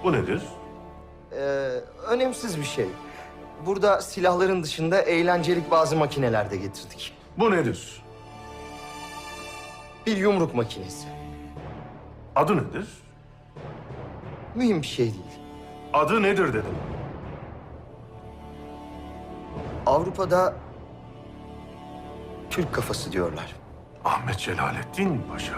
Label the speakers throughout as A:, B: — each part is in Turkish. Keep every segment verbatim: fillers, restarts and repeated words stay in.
A: Bu nedir?
B: Ee, önemsiz bir şey. Burada silahların dışında eğlencelik bazı makineler de getirdik.
A: Bu nedir?
B: Bir yumruk makinesi.
A: Adı nedir?
B: Mühim bir şey değil.
A: Adı nedir dedim.
B: Avrupa'da Türk kafası diyorlar.
A: Ahmet Celalettin Paşa.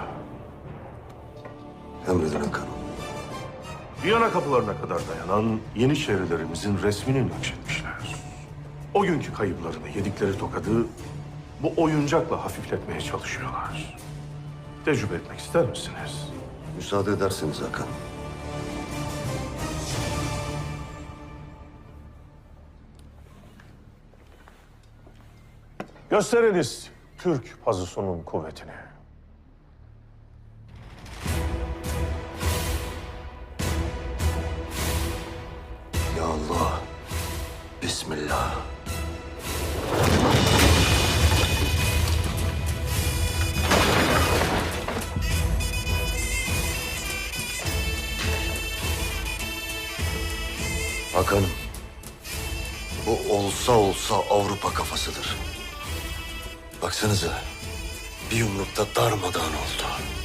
C: Emredin Hakan'ım.
A: Viyana kapılarına kadar dayanan Yeniçerilerimizin resmini nakşetmişler. O günkü kayıplarını yedikleri tokadı bu oyuncakla hafifletmeye çalışıyorlar. Tecrübe etmek ister misiniz?
C: Müsaade ederseniz Hakan.
A: Gösteriniz Türk pazusunun kuvvetini.
C: Ya Allah. Bismillah. Hakan'ım. Bu olsa olsa Avrupa kafasıdır. Baksanıza. Bir yumrukta darmadağın oldu.